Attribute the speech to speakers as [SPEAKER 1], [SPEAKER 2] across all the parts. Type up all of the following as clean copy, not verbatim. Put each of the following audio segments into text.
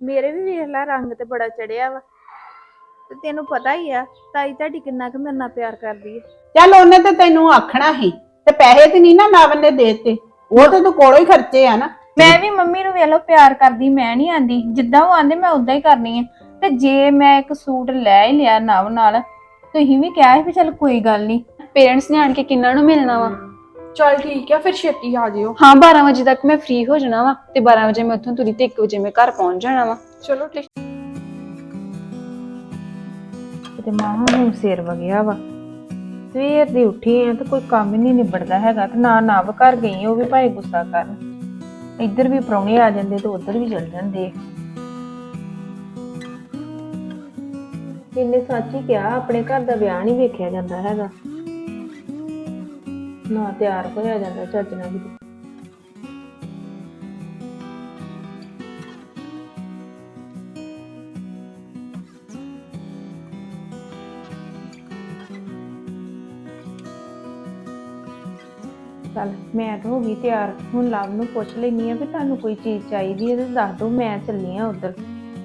[SPEAKER 1] ਮੇਰੇ ਵੀ ਵੇਖ ਲੈ ਰੰਗ ਤੇ ਬੜਾ ਚੜਿਆ ਵਾ ਤੇ ਤੈਨੂੰ ਪਤਾ ਹੀ ਆ ਤਾਈ ਤੁਹਾਡੀ ਕਿੰਨਾ ਕੁ ਮੇਰੇ ਨਾਲ ਪਿਆਰ ਕਰਦੀ ਹੈ।
[SPEAKER 2] ਚੱਲ ਉਹਨੇ ਤੇ ਤੈਨੂੰ ਆਖਣਾ ਸੀ ਤੇ ਪੈਸੇ ਤੇ ਨਹੀਂ ਨਾ ਨਵ ਨੇ ਦੇਤੇ, ਉਹ ਤੇ ਤੂੰ ਕੋਲੋਂ ਹੀ ਖਰਚੇ ਆ ਨਾ।
[SPEAKER 1] ਮੈਂ ਵੀ ਮੰਮੀ ਨੂੰ ਵੇਖ ਲਓ ਪਿਆਰ ਕਰਦੀ, ਮੈਂ ਨਹੀਂ ਆਂਦੀ, ਜਿੱਦਾਂ ਉਹ ਆਂਦੇ ਮੈਂ ਉਦਾਂ ਹੀ ਕਰਨੀ ਹੈ। ਤੇ ਜੇ ਮੈਂ ਇੱਕ ਸੂਟ ਲੈ ਹੀ ਲਿਆ ਨਵ ਨਾਲ, ਤੁਸੀਂ ਵੀ ਕਿਹਾ ਸੀ ਵੀ ਚੱਲ ਕੋਈ ਗੱਲ ਨਹੀਂ,
[SPEAKER 3] ਪੇਰੈਂਟਸ ਨੇ ਆਣ ਕੇ ਕਿੰਨਾਂ ਨੂੰ ਮਿਲਣਾ ਵਾ।
[SPEAKER 4] ਚਲ ਠੀਕ ਆ, ਫਿਰ ਛੇਤੀ ਆ ਜਿਓ।
[SPEAKER 3] ਹਾਂ 12 ਵਜੇ ਤੱਕ ਮੈਂ ਫ੍ਰੀ ਹੋ ਜਾਣਾ ਵਾ ਤੇ 12 ਵਜੇ ਮੈਂ ਉੱਥੋਂ ਤੁਰੀ ਤੇ 1 ਵਜੇ ਮੈਂ ਘਰ ਪਹੁੰਚ ਜਾਣਾ ਵਾ।
[SPEAKER 4] ਚਲੋ ਠੀਕ।
[SPEAKER 1] ਤੇ ਮਾਂ ਹੁਣ ਸਿਰ ਵਗਿਆ ਵਾ, ਸਵੇਰ ਦੀ ਉੱਠੀ ਆ ਤੇ ਕੋਈ ਕੰਮ ਹੀ ਨਹੀਂ ਨਿਬੜਦਾ ਹੈਗਾ। ਤੇ ਨਾ ਨਵ ਘਰ ਗਈ, ਉਹ ਵੀ ਭਾਵੇਂ ਗੁੱਸਾ ਕਰਨ, ਇੱਧਰ ਵੀ ਪ੍ਰਾਹੁਣੇ ਆ ਜਾਂਦੇ ਤੇ ਉੱਧਰ ਵੀ ਚਲ ਜਾਂਦੇ। ਇਹਨੇ ਸੱਚ ਹੀ ਕਿਹਾ, ਆਪਣੇ ਘਰ ਦਾ ਵਿਆਹ ਨਹੀਂ ਵੇਖਿਆ ਜਾਂਦਾ ਹੈਗਾ, ਨਾ ਤਿਆਰ ਹੋਇਆ ਜਾਂਦਾ ਚੱਜ ਨਾਲ ਵੀ। ਚੱਲ ਮੈਂ ਤਾਂ ਹੋ ਗਈ ਤਿਆਰ, ਹੁਣ ਲਵ ਨੂੰ ਪੁੱਛ ਲੈਣੀ ਆ ਵੀ ਤੁਹਾਨੂੰ ਕੋਈ ਚੀਜ਼ ਚਾਹੀਦੀ ਹੈ ਤੇ ਦੱਸ ਦਿਓ, ਮੈਂ ਚੱਲੀ ਆ ਉਧਰ।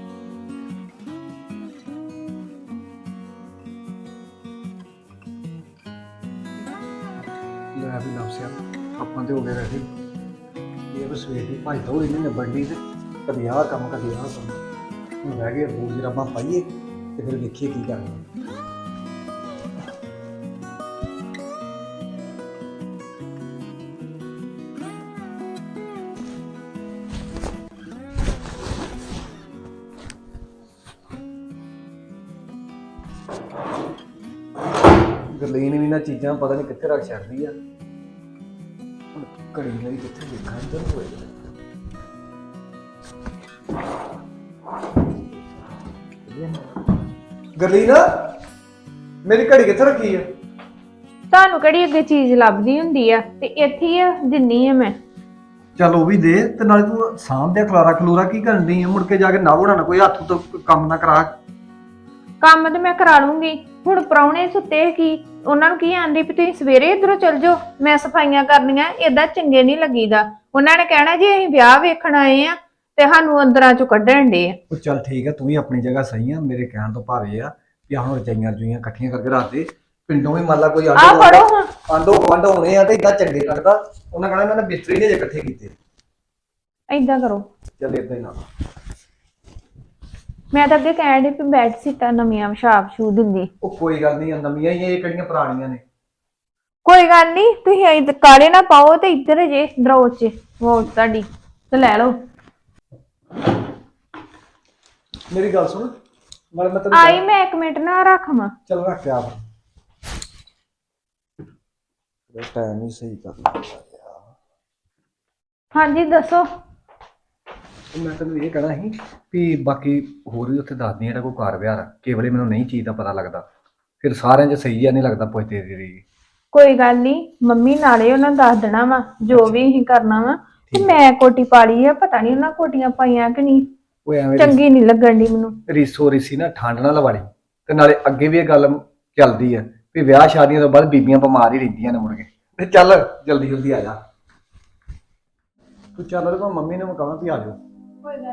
[SPEAKER 5] ਲੈ ਵੀ ਨਫਸਿਆ ਆਪਾਂ ਤੇ ਹੋ ਗਏ ਰੈਡੀ। ਇਹ ਬਸ ਸਵੇਰ ਦੀ ਭਾਈ ਤੋਂ ਇਹਨੇ ਨਿਬੜਨੀ ਤੇ ਕਦੀ ਆਹ ਕੰਮ ਕਦੀ ਆਹ ਕੰਮ, ਹੁਣ ਰਹਿ ਗਏ ਬੂਝ ਰੱਬਾਂ ਪਾਈਏ ਤੇ ਫਿਰ ਵੇਖੀਏ ਕੀ ਕਰਨਾ। ਗਰਲੀਨ ਵੀ ਨਾ ਚੀਜ਼ਾਂ ਪਤਾ ਨਹੀਂ ਕਿੱਥੇ ਰੱਖ ਛੱਡਦੀ ਆ। ਹੁਣ ਘੜੀ ਮੇਰੀ ਕਿੱਥੇ ਦੇਖਾਂ, ਇੱਧਰ ਹੋਏ ਗਰਲੀਨ ਮੇਰੀ ਘੜੀ ਕਿੱਥੇ ਰੱਖੀ ਆ?
[SPEAKER 1] ਤੁਹਾਨੂੰ ਕਿਹੜੀ ਅੱਗੇ ਚੀਜ਼ ਲੱਭਦੀ ਹੁੰਦੀ ਆ, ਤੇ ਇੱਥੇ ਹੀ ਆ, ਦਿੰਨੀ ਆ ਮੈਂ।
[SPEAKER 5] ਚੱਲ ਉਹ ਵੀ ਦੇ, ਤੇ ਨਾਲੇ ਤੂੰ ਸਾਂਭ ਦੇ ਖਲਾਰਾ ਖਲੂਰਾ ਕੀ ਕਰਨ ਡਈ ਆ? ਮੁੜ ਕੇ ਜਾ ਕੇ ਨਾ ਹੋਣਾ ਕੋਈ ਹੱਥ ਤੋਂ ਕੰਮ ਨਾ ਕਰਾ।
[SPEAKER 1] ਕੰਮ ਤੇ ਮੈਂ ਕਰਾ ਲੂੰਗੀ, ਹੁਣ ਪ੍ਰਾਹੁਣੇ ਸੁੱਤੇ ਕੀ, ਉਹਨਾਂ ਨੂੰ ਕੀ ਆਂਦੀ ਵੀ ਤੁਸੀਂ ਸਵੇਰੇ ਇਧਰੋਂ ਚਲ ਜਾਓ, ਮੈਂ ਸਫਾਈਆਂ ਕਰਨੀਆਂ, ਏਦਾਂ ਚੰਗੇ ਨਹੀਂ ਲੱਗੀਦਾ। ਉਹਨਾਂ ਨੇ ਕਹਿਣਾ ਜੀ ਅਸੀਂ ਵਿਆਹ ਵੇਖਣ ਆਏ ਆ ਤੇ ਸਾਨੂੰ ਅੰਦਰਾਂ ਚੋਂ ਕੱਢਣ ਡੇ ਆ।
[SPEAKER 5] ਉਹ ਚੱਲ ਠੀਕ ਆ, ਤੂੰ ਵੀ ਆਪਣੀ ਜਗ੍ਹਾ ਸਹੀ ਆ, ਮੇਰੇ ਕਹਿਣ ਤੋਂ ਭਾਵੇਂ ਆ ਵੀ ਹੁਣ ਰਜਾਈਆਂ ਰਜੂਈਆਂ ਇਕੱਠੀਆਂ ਕਰਕੇ ਰੱਖ ਦੇ। ਪਿੰਡੋਂ ਵੀ ਮੰਨ ਲਾ ਕੋਈ
[SPEAKER 1] ਆ ਫੜੋ ਹਾਂ,
[SPEAKER 5] ਆਂਡੋ ਗਵਾਂਢ ਹੋਣੇ ਆ ਤੇ ਇਦਾਂ ਚੰਗੇ ਲੱਗਦਾ, ਉਹਨਾਂ ਕਹਿਣਾ ਇਹਨਾਂ ਨੇ ਬਿਸਤਰੇ ਨਹੀਂ ਇਕੱਠੇ ਕੀਤੇ।
[SPEAKER 1] ਏਦਾਂ ਕਰੋ।
[SPEAKER 5] ਚੱਲ ਏਦਾਂ ਹੀ ਨਾ,
[SPEAKER 1] ਮੈਂ ਤਾਂ ਅੱਗੇ ਕਹਿਣ ਡਈ ਵੀ ਬੈੱਡ ਸੀਟਾਂ ਨਵੀਆਂ ਵਿਛਾ ਵਿਛੂ ਦਿੰਦੀ।
[SPEAKER 5] ਉਹ ਕੋਈ ਗੱਲ ਨਹੀਂ, ਨਵੀਆਂ ਹੀ ਇਹ ਕਿਹੜੀਆਂ ਪੁਰਾਣੀਆਂ ਨੇ।
[SPEAKER 1] ਕੋਈ ਗੱਲ ਨਹੀਂ, ਤੁਸੀਂ ਇੱਧਰ ਕਾਲੇ ਨਾ ਪਾਓ ਤੇ ਇੱਧਰ ਜੇ ਦਰੋਂ ਚ ਵੋਟ ਤੁਹਾਡੀ ਤੇ ਲੈ ਲਓ।
[SPEAKER 5] ਮੇਰੀ ਗੱਲ ਸੁਣ, ਨਾਲੇ ਮੈਂ ਤੈਨੂੰ
[SPEAKER 1] ਆਈ ਮੈਂ 1 ਮਿੰਟ ਨਾ ਰੱਖਵਾਂ।
[SPEAKER 5] ਚੱਲ ਰੱਖ ਕੇ ਆਪ ਟਾਈਮ ਹੀ ਸਹੀ ਕਰ ਲਿਆ।
[SPEAKER 1] ਹਾਂਜੀ ਦੱਸੋ।
[SPEAKER 5] ਮੈਂ ਤੈਨੂੰ ਇਹ ਕਹਿਣਾ ਸੀ ਵੀ ਬਾਕੀ ਹੋਰ ਵੀ ਉੱਥੇ ਦੱਸਦੀ ਜਿਹੜਾ ਕੋਈ ਕਾਰ ਵਿਹਾਰ ਕੇਵਲੇ ਮੈਨੂੰ ਨਹੀਂ ਚੀਜ਼ ਦਾ ਪਤਾ ਲੱਗਦਾ, ਫਿਰ ਸਾਰਿਆਂ 'ਚ ਸਹੀ ਆ ਨਹੀਂ ਲੱਗਦਾ ਪੁੱਛਦੇ ਰਹੀ।
[SPEAKER 1] ਕੋਈ ਗੱਲ ਨਹੀਂ, ਮੰਮੀ ਨਾਲੇ ਉਹਨਾਂ ਦੱਸ ਦੇਣਾ ਵਾ ਜੋ ਵੀ ਅਸੀਂ ਕਰਨਾ ਵਾ। ਤੇ ਮੈਂ ਕੋਟੀ ਪਾ ਲਈ ਆ, ਪਤਾ ਨਹੀਂ ਉਹਨਾਂ ਕੋਟੀਆਂ ਪਾਈਆਂ ਕਿ ਨਹੀਂ,
[SPEAKER 5] ਉਹ ਐਵੇਂ
[SPEAKER 1] ਚੰਗੀ ਨਹੀਂ ਲੱਗਣ ਦੀ ਮੈਨੂੰ।
[SPEAKER 5] ਰੀਸੋ ਰੀਸੀ ਨਾ ਠੰਡ ਨਾਲ ਲਵਾੜੀ, ਤੇ ਨਾਲੇ ਅੱਗੇ ਵੀ ਇਹ ਗੱਲ ਚੱਲਦੀ ਆ ਵੀ ਵਿਆਹ ਸ਼ਾਦੀਆਂ ਤੋਂ ਬਾਅਦ ਬੀਬੀਆਂ ਬਿਮਾਰ ਹੀ ਰਹਿੰਦੀਆਂ ਨੇ ਮੁੜ ਕੇ। ਤੇ ਚੱਲ ਜਲਦੀ ਜਲਦੀ ਆ ਜਾ ਤੂੰ, ਚੱਲ ਤੇ ਮੰਮੀ ਨੂੰ ਕਹਾਂ ਵੀ ਆ ਜਾਓ।
[SPEAKER 1] ਕੋਈ ਗੱਲ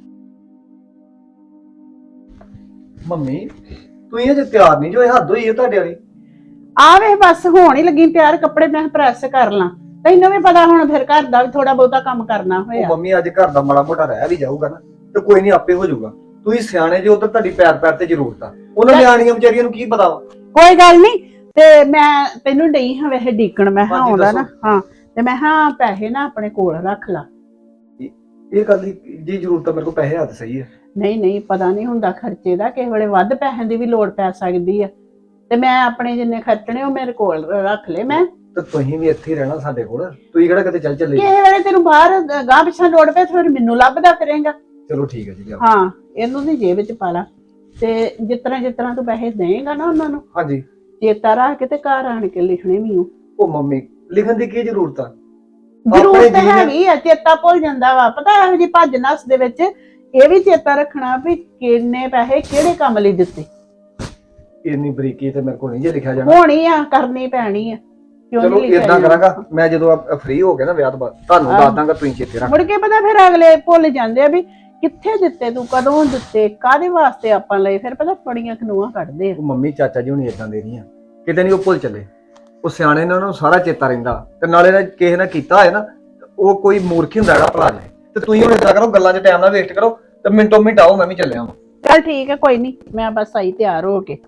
[SPEAKER 5] ਮੰਮੀ ਤੂੰ ਇਹ ਜੇ ਤਿਆਰ ਨਹੀਂ ਜੋ, ਇਹ ਹੱਦ ਹੋਈ ਹੈ ਤੁਹਾਡੇ ਵਾਲੀ।
[SPEAKER 2] ਆ ਵੇ ਬਸ ਹੋਣ ਹੀ ਲੱਗੀ ਤਿਆਰ, ਕੱਪੜੇ ਮੈਂ ਪ੍ਰੈਸ ਕਰ ਲਾਂ, ਤੈਨੂੰ ਵੀ ਪਤਾ ਹੁਣ ਫਿਰ ਘਰ ਦਾ ਵੀ ਥੋੜਾ ਬਹੁਤਾ ਕੰਮ ਕਰਨਾ
[SPEAKER 5] ਉਹ
[SPEAKER 2] ਹੋਇਆ।
[SPEAKER 5] ਮੰਮੀ ਅੱਜ ਘਰ ਦਾ ਮਾੜਾ ਮੋਟਾ ਰਹਿ ਵੀ ਜਾਊਗਾ ਨਾ, ਤੇ ਕੋਈ ਨਹੀਂ ਆਪੇ ਹੋ ਜਾਊਗਾ। ਤੁਸੀਂ ਸਿਆਣੇ ਜੇ, ਉਧਰ ਤੁਹਾਡੀ ਪੈਰ ਪੈਰ ਤੇ ਜ਼ਰੂਰਤ ਆ, ਉਹਨਾਂ ਨਿਆਣੀਆਂ ਵਿਚਾਰੀਆਂ ਨੂੰ ਕੀ ਪਤਾ ਵਾ।
[SPEAKER 2] ਕੋਈ ਗੱਲ ਨਹੀਂ, ਤੇ ਮੈਂ ਤੈਨੂੰ ਡਈ ਹਾਂ ਵੈਸੇ ਡੀਕਣ, ਮੈਂ ਹਾਂ
[SPEAKER 5] ਹਾਂਜੀ,
[SPEAKER 2] ਆਉਂਦਾ ਨਾ।
[SPEAKER 5] ਦੱਸੋ।
[SPEAKER 2] ਹਾਂ ਤੇ ਮੈਂ ਹਾਂ ਪੈਸੇ ਨਾ ਆਪਣੇ ਕੋਲ ਰੱਖ ਲਾ।
[SPEAKER 5] ਇਹ ਗੱਲ ਦੀ ਜੀ ਜ਼ਰੂਰਤ ਆ, ਮੇਰੇ ਕੋਲ ਪੈਸੇ ਹੱਥ ਸਹੀ ਹੈ।
[SPEAKER 2] ਨਹੀਂ ਨਹੀਂ, ਪਤਾ ਨਹੀਂ ਹੁੰਦਾ ਖਰਚੇ ਦਾ, ਕਿਸੇ ਵੇਲੇ ਵੱਧ ਪੈਸਿਆਂ ਦੀ ਵੀ ਲੋੜ ਪੈ ਸਕਦੀ ਆ, ਤੇ ਮੈਂ ਆਪਣੇ ਜਿੰਨੇ ਖਰਚਣੇ ਉਹ ਮੇਰੇ ਕੋਲ ਰੱਖ ਲਏ ਮੈਂ।
[SPEAKER 5] ਤੇ ਤੁਸੀਂ ਵੀ ਇੱਥੇ ਹੀ ਰਹਿਣਾ ਸਾਡੇ ਕੋਲ, ਤੁਸੀਂ ਕਿਹੜਾ ਕਿਤੇ ਚੱਲ ਚੱਲੇ।
[SPEAKER 2] ਕਿਸੇ ਵੇਲੇ ਤੈਨੂੰ ਬਾਹਰ ਗਾਹ ਪਿੱਛਾ ਲੋੜ ਪਏ ਫਿਰ ਮੈਨੂੰ ਲੱਭਦਾ ਫਿਰੇਂਗਾ।
[SPEAKER 5] ਚਲੋ ਠੀਕ ਹੈ ਜੀ, ਲਿਆਓ।
[SPEAKER 2] ਹਾਂ ਇਹਨੂੰ ਦੀ ਜੇਬ ਵਿੱਚ ਪਾ ਲਾ, ਤੇ ਜਿਸ ਤਰ੍ਹਾਂ ਤੂੰ ਪੈਸੇ ਦੇਏਗਾ ਨਾ ਉਹਨਾਂ ਨੂੰ,
[SPEAKER 5] ਹਾਂਜੀ।
[SPEAKER 2] ਚੇਤਾ ਰੱਖ ਕੇ ਤੇ ਘਰ ਆਣ ਕੇ ਲਿਖਣੇ ਵੀ
[SPEAKER 5] ਉਹ ਮੰਮੀ ਲਿਖਣ ਦੀ ਕੀ ਜ਼ਰੂਰਤ ਆ?
[SPEAKER 2] ਜ਼ਰੂਰਤ ਹੈਗੀ ਆ, ਚੇਤਾ ਭੁੱਲ ਜਾਂਦਾ ਵਾ। ਪਤਾ ਇਹੋ ਜਿਹੀ ਭੱਜ ਨੱਸ ਦੇ ਵਿੱਚ ਇਹ ਵੀ ਚੇਤਾ ਰੱਖਣਾ ਵੀ ਕਿੰਨੇ ਪੈਸੇ ਕਿਹੜੇ ਕੰਮ ਲਈ ਦਿੱਤੇ।
[SPEAKER 5] ਇੰਨੀ ਬਰੀਕੀ ਤੇ ਮੇਰੇ ਕੋਲ ਨਹੀਂ ਜੇ ਲਿਖਿਆ ਜਾਣਾ।
[SPEAKER 2] ਹੋਣੀ ਆ, ਕਰਨੀ ਪੈਣੀ ਆ, ਕਿਉਂ
[SPEAKER 5] ਚਲੋ
[SPEAKER 2] ਨਹੀਂ ਲਿਖਿਆ
[SPEAKER 5] ਇਦਾਂ
[SPEAKER 2] ਜਾਣਾ।
[SPEAKER 5] ਕਰਾਂਗਾ, ਮੈਂ ਜਦੋਂ ਫ੍ਰੀ ਹੋ ਗਿਆ ਨਾ ਵਿਆਹ ਤੋਂ ਬਾਅਦ ਤੁਹਾਨੂੰ ਦੱਸ ਦਾਂਗਾ, ਤੁਸੀਂ ਚੇਤੇ ਰੱਖ।
[SPEAKER 2] ਮੁੜ ਕੇ ਪਤਾ ਫਿਰ ਅਗਲੇ ਭੁੱਲ ਜਾਂਦੇ ਆ ਵੀ ਕਿੱਥੇ ਦਿੱਤੇ ਤੂੰ, ਕਦੋਂ ਦਿੱਤੇ, ਕਾਹਦੇ ਵਾਸਤੇ ਆਪਾਂ ਲਏ? ਫਿਰ ਪਤਾ ਬੜੀਆਂ ਖਨੂਆਂ ਕੱਢਦੇ ਆ।
[SPEAKER 5] ਉਹ ਮੰਮੀ ਚਾਚਾ ਜੀ ਹੁਣੀ ਇਦਾਂ ਦੇ ਨਹੀਂ ਆ, ਕਿਤੇ ਨਹੀਂ ਉਹ ਭੁੱਲ ਚੱਲੇ। ਉਹ ਸਿਆਣੇ ਨੇ, ਉਹਨਾਂ ਨੂੰ ਸਾਰਾ ਚੇਤਾ ਰਹਿੰਦਾ। ਤੇ ਨਾਲੇ ਨਾ ਕਿਸੇ ਨੇ ਕੀਤਾ ਹੋਏ ਨਾ, ਉਹ ਕੋਈ ਮੂਰਖ ਹੁੰਦਾ ਜਿਹੜਾ ਭੁਲਾ ਜਾਏ। ਤੇ ਤੁਸੀਂ ਹੁਣ ਇਦਾਂ ਕਰੋ, ਗੱਲਾਂ 'ਚ ਟਾਈਮ ਨਾ ਵੇਸਟ ਕਰੋ ਤੇ ਮਿੰਟੋ ਮਿੰਟ ਆਓ, ਮੈਂ ਵੀ ਚੱਲਿਆ ਵਾਂ।
[SPEAKER 2] ਚੱਲ ਠੀਕ ਹੈ, ਕੋਈ ਨਹੀਂ, ਮੈਂ ਬਸ ਆਈ ਤਿਆਰ ਹੋ ਕੇ।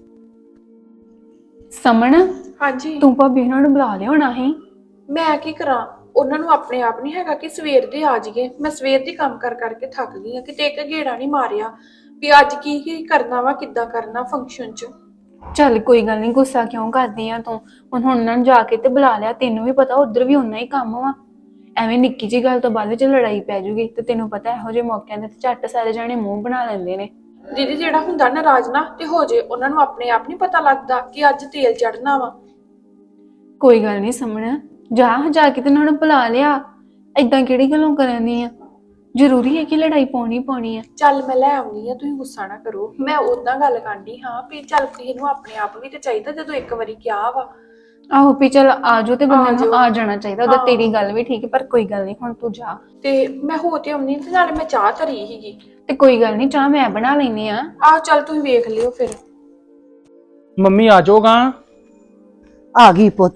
[SPEAKER 3] ਸਮਣ
[SPEAKER 4] ਹਾਂਜੀ
[SPEAKER 3] ਤੂੰ ਭਾਬੀ ਉਹਨਾਂ ਨੂੰ ਬੁਲਾ ਲਿਆ ਹੋਣਾ ਸੀ।
[SPEAKER 4] ਮੈਂ ਕੀ ਕਰਾਂ, ਉਹਨਾਂ ਨੂੰ ਆਪਣੇ ਆਪ ਨਹੀਂ ਹੈਗਾ ਕਿ ਸਵੇਰ ਦੇ ਆ ਜਾਈਏ। ਮੈਂ ਸਵੇਰ ਦੀ ਕੰਮ ਕਰ ਕਰਕੇ ਥੱਕ ਗਈ ਆ, ਕਿਤੇ ਇੱਕ ਗੇੜਾ ਨਹੀਂ ਮਾਰਿਆ ਵੀ ਅੱਜ ਕੀ ਕਰਨਾ ਵਾ, ਕਿੱਦਾਂ ਕਰਨਾ ਫੰਕਸ਼ਨ 'ਚ।
[SPEAKER 3] ਚੱਲ ਕੋਈ ਗੱਲ ਨਹੀਂ, ਗੁੱਸਾ ਕਿਉਂ ਕਰਦੀ ਆ ਤੂੰ? ਹੁਣ ਉਹਨਾਂ ਨੂੰ ਜਾ ਕੇ ਤੇ ਬੁਲਾ ਲਿਆ, ਤੈਨੂੰ ਵੀ ਪਤਾ ਉਧਰ ਵੀ ਉਨਾ ਹੀ ਕੰਮ ਵਾ। ਐਵੇਂ ਨਿੱਕੀ ਜਿਹੀ ਗੱਲ ਤੋਂ ਬਾਅਦ ਵਿੱਚ ਲੜਾਈ ਪੈ ਜੂਗੀ ਤੇ ਤੈਨੂੰ ਪਤਾ ਇਹੋ ਜਿਹੇ ਮੌਕਿਆਂ ਤੇ ਝੱਟ ਸਾਰੇ ਜਾਣੇ ਮੂੰਹ ਬਣਾ ਲੈਂਦੇ ਨੇ।
[SPEAKER 4] ਦੀਦੀ ਜਿਹੜਾ ਹੁੰਦਾ ਨਾਰਾਜ਼ ਨਾ ਤੇ ਹੋ ਜੇ, ਉਹਨਾਂ ਨੂੰ ਆਪਣੇ ਆਪ ਨਹੀਂ ਪਤਾ ਲੱਗਦਾ ਕਿ ਅੱਜ ਤੇਲ ਚੜਨਾ ਵਾ।
[SPEAKER 3] ਕੋਈ ਗੱਲ ਨਹੀਂ ਸਮਣ, ਜਾ ਕੇ ਤੇ ਉਹਨਾਂ ਨੂੰ ਬੁਲਾ ਲਿਆ। ਏਦਾਂ ਕਿਹੜੀ ਗੱਲੋਂ ਕਰਨ ਦੀ ਆ? ਜ਼ਰੂਰੀ ਹੈ ਕਿ ਲੜਾਈ ਪਾਉਣੀ ਆ?
[SPEAKER 4] ਚੱਲ ਮੈਂ ਲੈ ਆਉਣੀ ਆ, ਤੁਸੀਂ ਗੁੱਸਾ ਨਾ ਕਰੋ। ਮੈਂ ਉਦਾਂ ਗੱਲ ਕਰਨੀ ਹਾਂ ਵੀ ਚੱਲ ਕਿਸੇ ਨੂੰ ਆਪਣੇ ਆਪ ਵੀ ਤੇ ਚਾਹੀਦਾ, ਜਦੋਂ ਇੱਕ ਵਾਰੀ ਕਿਹਾ ਵਾ।
[SPEAKER 3] ਆਹੋ ਵੀ ਚੱਲ ਆਜੋ ਤੇ ਬੰਦੇ
[SPEAKER 4] ਆਜੋ।
[SPEAKER 3] ਨੂੰ ਆ ਜਾਣਾ ਚਾਹੀਦਾ। ਉਹਦਾ
[SPEAKER 4] ਹਾਂ।
[SPEAKER 3] ਤੇਰੀ ਗੱਲ ਵੀ ਠੀਕ ਹੈ, ਪਰ ਕੋਈ ਗੱਲ ਨਹੀਂ, ਹੁਣ ਤੂੰ ਜਾ।
[SPEAKER 4] ਤੇ ਮੈਂ ਹੋ ਤੇ ਆਉਣੀ ਤੇ ਨਾਲੇ ਮੈਂ ਚਾਹ ਧਰੀ ਸੀਗੀ।
[SPEAKER 3] ਤੇ ਕੋਈ ਗੱਲ ਨਹੀਂ, ਚਾਹ ਮੈਂ ਬਣਾ ਲੈਣੀ ਆ।
[SPEAKER 4] ਆਹ ਚੱਲ ਤੁਸੀਂ ਵੇਖ ਲਿਓ ਫਿਰ।
[SPEAKER 6] ਮੰਮੀ ਆ ਜਾਓਗਾ।
[SPEAKER 7] ਆ ਗਈ ਪੁੱਤ।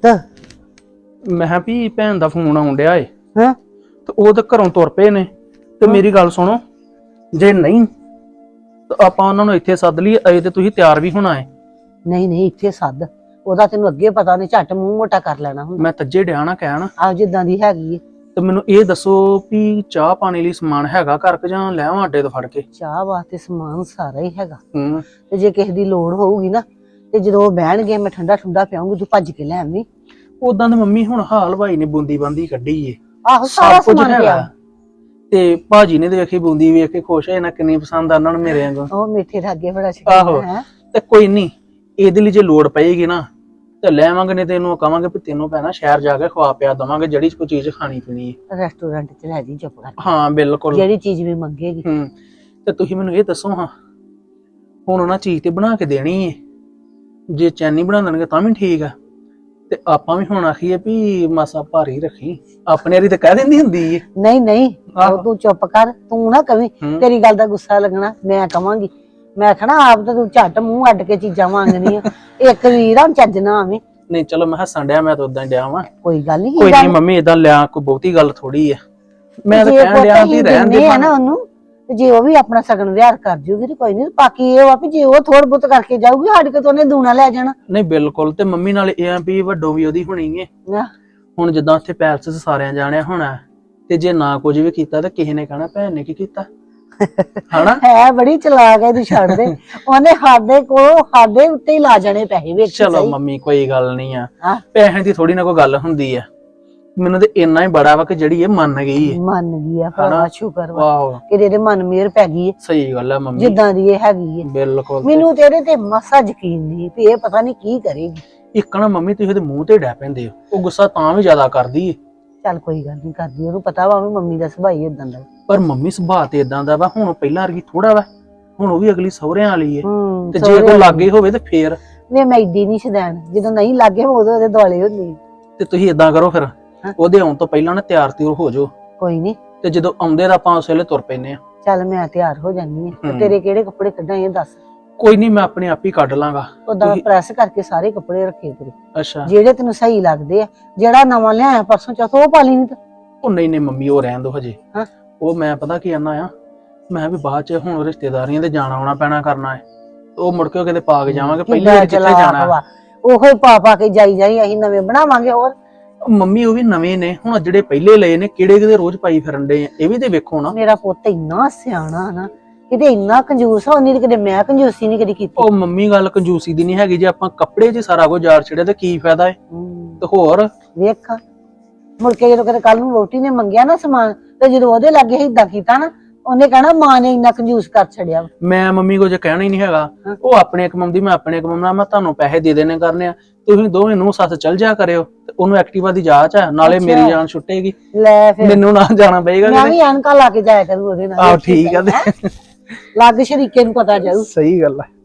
[SPEAKER 6] ਮੈਂ ਕਿਹਾ ਵੀ ਭੈਣ ਦਾ ਫੋਨ ਆਉਣ ਡਿਆ ਏ
[SPEAKER 7] ਹਾਂ
[SPEAKER 6] ਤੇ ਉਹ ਤਾਂ ਘਰੋਂ ਤੁਰ ਪਏ ਨੇ। ਤੇ ਮੇਰੀ ਗੱਲ ਸੁਣੋ, ਜੇ ਨਹੀਂ ਤਾਂ ਆਪਾਂ ਉਹਨਾਂ ਨੂੰ ਇੱਥੇ ਸੱਦ ਲਈਏ। ਅਜੇ ਤੇ ਤੁਸੀਂ ਤਿਆਰ ਵੀ ਹੋਣਾ ਏ।
[SPEAKER 7] ਨਹੀਂ ਨਹੀਂ, ਇੱਥੇ ਸੱਦ। ਉਹਦਾ ਤੈਨੂੰ ਅੱਗੇ ਪਤਾ ਨਹੀਂ, ਝੱਟ ਮੂੰਹ ਮੋਟਾ ਕਰ ਲੈਣਾ ਹੁੰਦਾ।
[SPEAKER 6] ਮੈਂ ਤੱਜੇ ਡਿਆ ਨਾ ਕਹਿਣ।
[SPEAKER 7] ਆਹ ਜਿੱਦਾਂ ਦੀ ਹੈਗੀ ਏ।
[SPEAKER 6] ਤੇ ਮੈਨੂੰ ਇਹ ਦੱਸੋ ਵੀ ਚਾਹ ਪਾਣੀ ਲਈ ਸਮਾਨ ਹੈਗਾ ਘਰ ਕਿ ਜਾਂ ਲੈਵਾਂ ਅੱਡੇ ਤੋਂ ਫੜ ਕੇ?
[SPEAKER 7] ਚਾਹ ਵਾਸਤੇ ਸਮਾਨ ਸਾਰਾ ਹੀ ਹੈਗਾ,
[SPEAKER 6] ਹੂੰ।
[SPEAKER 7] ਤੇ ਜੇ ਕਿਸੇ ਦੀ ਲੋੜ ਹੋਊਗੀ ਨਾ ਤੇ ਜਦੋਂ ਉਹ ਬਹਿਣਗੇ ਮੈਂ ਠੰਡਾ ਠੰਡਾ ਪਿਆਉਂਗੀ, ਤੂੰ ਭੱਜ ਕੇ ਲੈ ਆਵੀਂ।
[SPEAKER 6] ਉਦਾਂ ਤੇ ਮੰਮੀ ਹੁਣ ਹਾਲ ਭਾਈ ਨੇ ਬੂੰਦੀ ਬਾਂਦੀ ਕੱਢੀ ਏ,
[SPEAKER 7] ਆਹੋ ਸਾਰਾ
[SPEAKER 6] ਸਭ ਕੁਝ
[SPEAKER 7] ਸਮਾਨ
[SPEAKER 6] ਹੈਗਾ।
[SPEAKER 7] ਪਿਆ।
[SPEAKER 6] ਤੇ ਭਾਜੀ ਨੇ ਤੇ ਵੇਖੀ ਬੂੰਦੀ ਵੇਖ ਕੇ ਖੁਸ਼ ਹੋਏ ਨਾ, ਕਿੰਨੀ ਪਸੰਦ ਆ ਉਹਨਾਂ ਨੂੰ ਮੇਰੇ ਵਾਂਗੂ।
[SPEAKER 7] ਉਹ ਮਿੱਠੇ ਰਾਗੇ ਬੜਾ
[SPEAKER 6] ਆਹੋ।
[SPEAKER 7] ਸ਼ਕੀਨ ਹੈ।
[SPEAKER 6] ਤੇ ਕੋਈ ਨਹੀਂ, ਇਹਦੇ ਲਈ ਜੇ ਲੋੜ ਪਏਗੀ ਨਾ ਤੇ ਲੈ ਆਵਾਂਗੇ, ਨਹੀਂ ਤੇ ਇਹਨੂੰ ਕਵਾਂਗੇ ਵੀ ਤੈਨੂੰ ਪੈਣਾ ਸ਼ਹਿਰ ਜਾ ਕੇ ਖਵਾ ਪਿਆ ਦਵਾਂਗੇ, ਜਿਹੜੀ ਕੋਈ ਚੀਜ਼ ਖਾਣੀ ਪੀਣੀ ਹੈ।
[SPEAKER 7] ਰੈਸਟੋਰੈਂਟ ਚ ਲੈ ਜੀ ਚੁੱਪ ਕਰਕੇ,
[SPEAKER 6] ਹਾਂ ਬਿਲਕੁਲ।
[SPEAKER 7] ਜਿਹੜੀ ਚੀਜ਼ ਵੀ ਮੰਗੇਗੀ।
[SPEAKER 6] ਹੂੰ। ਤੇ ਤੁਸੀਂ ਮੈਨੂੰ ਇਹ ਦੱਸੋ ਹਾਂ, ਹੁਣ ਉਹਨਾਂ ਚੀਜ਼ ਤੇ ਬਣਾ ਕੇ ਦੇਣੀ ਹੈ, ਜੇ ਚੈਨੀ ਬਣਾ ਦੇਣਗੇ ਤਾਂ ਵੀ ਠੀਕ ਆ। ਤੇ ਆਪਾਂ ਵੀ ਹੁਣ ਆਖੀਏ ਵੀ ਮਾਸਾ ਭਾਰੀ ਰੱਖੀ, ਆਪਣੇ ਵਾਰੀ ਤਾਂ ਕਹਿ ਦਿੰਦੀ ਹੁੰਦੀ ਏ।
[SPEAKER 7] ਨਹੀਂ ਨਹੀਂ,
[SPEAKER 6] ਆਹੋ।
[SPEAKER 7] ਉਹ ਤੂੰ ਚੁੱਪ ਕਰ, ਤੂੰ ਨਾ ਕਵੀਂ।
[SPEAKER 6] ਹੂੰ।
[SPEAKER 7] ਤੇਰੀ ਗੱਲ ਦਾ ਗੁੱਸਾ ਲੱਗਣਾ, ਮੈਂ ਕਵਾਂਗੀ। ਮੈਂ ਕਹਣਾ ਆਪ ਤਾਂ ਤੂੰ ਝੱਟ ਮੂੰਹ ਅੱਡ ਕੇ ਚੀਜ਼ਾਂ ਮੰਗਦੀਆਂ। ਇੱਕ ਵੀਰਾਂ ਚੱਜ ਨਾ ਆਵੇਂ।
[SPEAKER 6] ਨਹੀਂ ਚਲੋ, ਮੈਂ ਹੱਸਣ ਡਿਆ, ਮੈਂ ਤਾਂ ਉਦਾਂ ਹੀ ਡਿਆ ਵਾਂ।
[SPEAKER 7] ਕੋਈ ਗੱਲ ਨਹੀਂ,
[SPEAKER 6] ਕੋਈ ਨਹੀਂ ਮੰਮੀ, ਏਦਾਂ ਲਿਆ ਕੋਈ ਬਹੁਤੀ ਗੱਲ ਥੋੜੀ ਆ। ਮੈਂ ਤਾਂ ਕਹਿਣ ਡਿਆ ਵੀ ਰਹਿਣ ਦੇ
[SPEAKER 7] ਨਾ ਉਹਨੂੰ, ਤੇ ਜੇ ਉਹ ਵੀ ਆਪਣਾ ਸਗਨ ਵਿਹਾਰ ਕਰ ਜੂਗੀ ਤੇ ਕੋਈ ਨਹੀਂ। ਬਾਕੀ ਇਹ ਵਾ ਵੀ ਜੇ ਉਹ ਥੋੜ ਬਹੁਤ ਕਰਕੇ ਜਾਊਗੀ, ਸਾਡੇ ਕੋਲ ਤਾਂ ਉਹਨੇ ਦੂਣਾ ਲੈ ਜਾਣਾ।
[SPEAKER 6] ਨਹੀਂ ਬਿਲਕੁਲ। ਤੇ ਮੰਮੀ ਨਾਲ ਇਹ ਆ ਵੀ ਵੱਡੋ ਵੀ ਉਹਦੀ ਹੋਣੀ ਏ।
[SPEAKER 7] ਨਾ
[SPEAKER 6] ਹੁਣ ਜਿੱਦਾਂ ਉੱਥੇ ਪੈਲਸ 'ਚ ਸਾਰਿਆਂ ਜਾਣਿਆ ਹੋਣਾ, ਤੇ ਜੇ ਨਾ ਕੁਝ ਵੀ ਕੀਤਾ ਤਾਂ ਕਿਸੇ ਨੇ ਕਹਿਣਾ ਭੈਣ ਨੇ ਕੀ ਕੀਤਾ, ਹਨਾ?
[SPEAKER 7] ਹੈ ਬੜੀ ਚਲਾਕ ਹੈ, ਤੂੰ ਛੱਡ ਦੇ। ਉਹਨੇ ਸਾਡੇ ਉੱਤੇ ਹੀ ਲਾ ਜਾਣੇ ਪੈਸੇ ਵੇਖ।
[SPEAKER 6] ਚਲੋ ਮੰਮੀ ਕੋਈ ਗੱਲ ਨਹੀਂ ਆ,
[SPEAKER 7] ਹਾਂ।
[SPEAKER 6] ਪੈਸਿਆਂ ਦੀ ਥੋੜੀ ਨਾ ਕੋਈ ਗੱਲ ਹੁੰਦੀ ਆ। ਮੈਨੂੰ ਤੇ ਇੰਨਾ ਹੀ ਬੜਾ ਵਾ ਕਿ ਜਿਹੜੀ ਇਹ ਮੰਨ ਗਈ ਏ।
[SPEAKER 7] ਮੰਨ ਗਈ ਆ ਭਰਾ, ਸ਼ੁਕਰ ਵਾ
[SPEAKER 6] ਵਾਹ,
[SPEAKER 7] ਕਿ ਇਹਦੇ ਮਨ ਮੇਰ ਪੈ ਗਈ ਏ,
[SPEAKER 6] ਸਹੀ ਗੱਲ ਆ ਮੰਮੀ,
[SPEAKER 7] ਜਿੱਦਾਂ ਦੀ ਇਹ ਹੈਗੀ ਏ।
[SPEAKER 6] ਬਿਲਕੁਲ।
[SPEAKER 7] ਮੈਨੂੰ ਤੇਰੇ ਤੇ ਮਸਾ ਯਕੀਨ ਨਹੀਂ ਵੀ ਇਹ ਪਤਾ ਨਹੀਂ ਕੀ ਕਰੇਗੀ।
[SPEAKER 6] ਇੱਕ ਨਾ ਮੰਮੀ ਤੁਸੀਂ ਉਹਦੇ ਮੂੰਹ ਤੇ ਡੈ ਪੈਂਦੇ ਹੋ, ਉਹ ਗੁੱਸਾ ਤਾਂ ਵੀ ਜ਼ਿਆਦਾ ਕਰਦੀ ਏ।
[SPEAKER 7] ਚੱਲ ਕੋਈ ਗੱਲ ਨਹੀਂ ਕਰਦੀ, ਉਹਨੂੰ ਪਤਾ ਵਾ ਵੀ ਮੰਮੀ ਦਾ ਸੁਭਾਅ ਹੀ ਇਦਾਂ ਦਾ।
[SPEAKER 6] ਪਰ ਮੰਮੀ ਸੁਭਾਅ ਤੇ ਇਦਾਂ ਦਾ ਵਾ, ਹੁਣ ਪਹਿਲਾਂ ਵਰਗੀ ਥੋੜਾ ਵਾ, ਹੁਣ ਉਹ ਵੀ ਅਗਲੀ ਸਹੁਰਿਆਂ ਵਾਲੀ ਏ। ਤੇ ਜੇ ਕੋਈ ਲਾਗੇ ਹੋਵੇ ਤੇ ਫੇਰ
[SPEAKER 7] ਵੇ ਮੈਂ ਏਡੀ ਨਹੀਂ ਸ਼ਦੈਣ, ਜਦੋਂ ਨਹੀਂ ਲੱਗੇ ਉਦੋਂ ਉਹਦੇ ਦੁਆਲੇ ਹੁੰਦੀ।
[SPEAKER 6] ਤੇ ਤੁਸੀਂ ਇਦਾਂ ਕਰੋ ਫਿਰ, ਉਹਦੇ ਆਉਣ ਤੋਂ ਪਹਿਲਾਂ ਨਾ ਤਿਆਰ ਤਿਉਰ ਹੋ ਜਾਓ,
[SPEAKER 7] ਕੋਈ ਨਹੀਂ,
[SPEAKER 6] ਤੇ ਜਦੋਂ ਆਉਂਦੇ ਤਾਂ ਆਪਾਂ ਉਸ ਵੇਲੇ ਤੁਰ ਪੈਨੇ ਆ।
[SPEAKER 7] ਚੱਲ ਮੈਂ ਤਿਆਰ ਹੋ ਜਾਨੀ ਆ।
[SPEAKER 6] ਹੂੰ।
[SPEAKER 7] ਤੇਰੇ ਕਿਹੜੇ ਕੱਪੜੇ ਕੱਢਾਂ ਇਹ ਦੱਸ।
[SPEAKER 6] ਕੋਈ ਨਹੀਂ, ਮੈਂ ਆਪਣੇ ਆਪ ਹੀ ਕੱਢ ਲਾਂਗਾ।
[SPEAKER 7] ਉਦਾਂ ਪ੍ਰੈਸ ਕਰਕੇ ਸਾਰੇ ਕੱਪੜੇ ਰੱਖੇ ਤੇਰੇ,
[SPEAKER 6] ਅੱਛਾ।
[SPEAKER 7] ਜਿਹੜੇ ਤੈਨੂੰ ਸਹੀ ਲੱਗਦੇ ਆ। ਜਿਹੜਾ ਨਵਾਂ ਲਿਆਇਆ ਪਰਸੋਂ ਚੌਥ ਉਹ ਪਾ ਲਈ ਨਹੀਂ ਤਾਂ।
[SPEAKER 6] ਉਹ ਨਹੀਂ ਮੰਮੀ, ਉਹ ਰਹਿਣ ਦੋ ਹਜੇ।
[SPEAKER 7] ਹਾਂ।
[SPEAKER 6] ਉਹ ਮੈਂ ਪਤਾ ਕੀ ਆਨਾ ਆ, ਮੈਂ ਵੀ ਬਾਅਦ ਚ ਹੁਣ ਰਿਸ਼ਤੇਦਾਰੀਆਂ ਤੇ ਜਾਣਾ ਆਉਣਾ ਪੈਣਾ ਕਰਨਾ ਹੈ, ਉਹ ਮੁੜ ਕੇ ਕਿਤੇ ਪਾ ਕੇ ਜਾਵਾਂਗੇ, ਪਹਿਲੀ ਵਾਰ ਕਿੱਥੇ ਜਾਣਾ।
[SPEAKER 7] ਉਹੋ ਹੀ ਪਾ ਕੇ ਜਾਈ ਅਸੀਂ ਨਵੇਂ ਬਣਾਵਾਂਗੇ ਹੋਰ।
[SPEAKER 6] ਮੰਮੀ ਉਹ ਵੀ ਨਵੇਂ ਨੇ, ਹੁਣ ਜਿਹੜੇ ਪਹਿਲੇ ਲਏ ਨੇ ਕਿਹੜੇ ਕਿਤੇ ਰੋਜ਼ ਪਾਈ ਫਿਰਨ ਦੇ ਆ, ਇਹ ਵੀ ਤੇ ਵੇਖੋ ਨਾ।
[SPEAKER 7] ਮੇਰਾ ਪੁੱਤ ਇੰਨਾ ਸਿਆਣਾ ਨਾ, ਕਿਤੇ ਇੰਨਾ ਕੰਜੂਸ ਹੋਣੀ ਤੇ ਕਿਤੇ ਮੈਂ ਕੰਜੂਸੀ ਨਹੀਂ ਕਦੀ ਕੀਤੀ।
[SPEAKER 6] ਉਹ ਮੰਮੀ ਗੱਲ ਕੰਜੂਸੀ ਦੀ ਨਹੀਂ ਹੈਗੀ, ਜੇ ਆਪਾਂ ਕੱਪੜੇ 'ਚ ਸਾਰਾ ਕੁਝ ਜਾਰ ਛੜਿਆ ਤੇ ਕੀ ਫਾਇਦਾ ਏ। ਤੇ ਹੋਰ
[SPEAKER 7] ਵੇਖ ਮੁੜ ਕੇ ਜਦੋਂ ਕਦੇ ਕੱਲ ਨੂੰ ਵੋਟੀ ਨੇ ਮੰਗਿਆ ਨਾ ਸਮਾਨ, ਤੇ ਜਦੋਂ ਉਹਦੇ ਲਾਗੇ ਏਦਾਂ ਕੀਤਾ ਨਾ, ਉਹਨੇ ਕਹਿਣਾ ਮਾਂ ਨੇ ਇੰਨਾ ਕੰਜੂਸ ਕਰ ਛੜਿਆ।
[SPEAKER 6] ਮੈਂ ਮੰਮੀ ਕੋ ਜੇ ਕਹਿਣਾ ਹੀ ਨਹੀਂ ਹੈਗਾ, ਉਹ ਆਪਣੇ ਕਮਾਉਂਦੀ ਮੈਂ ਆਪਣੇ ਕਮਾਉਣਾ, ਮੈਂ ਤੁਹਾਨੂੰ ਪੈਸੇ ਦੇ ਦੇਣੇ ਕਰਨੇ ਆ, ਤੁਸੀਂ ਦੋਵੇਂ ਨੂੰ ਸੱਸ ਚੱਲ ਜਾ ਕਰਿਓ, ਤੇ ਉਹਨੂੰ ਐਕਟਿਵਾ ਦੀ ਜਾਂਚ ਆ, ਨਾਲੇ ਮੇਰੀ ਜਾਨ ਛੁੱਟੇਗੀ,
[SPEAKER 7] ਲੈ ਫਿਰ
[SPEAKER 6] ਮੈਨੂੰ ਨਾ ਜਾਣਾ ਪਏਗਾ।
[SPEAKER 7] ਮੈਂ ਵੀ ਐਨਕਾਂ ਲਾ ਕੇ ਜਾਇਆ ਕਰੂ ਉਹਦੇ ਨਾਲ।
[SPEAKER 6] ਆਹ ਠੀਕ ਆ, ਤੇ
[SPEAKER 7] ਲੱਗ ਸ਼ਰੀਕੇ ਨੂੰ ਪਤਾ ਜਾਊ।
[SPEAKER 6] ਸਹੀ ਗੱਲ ਆ।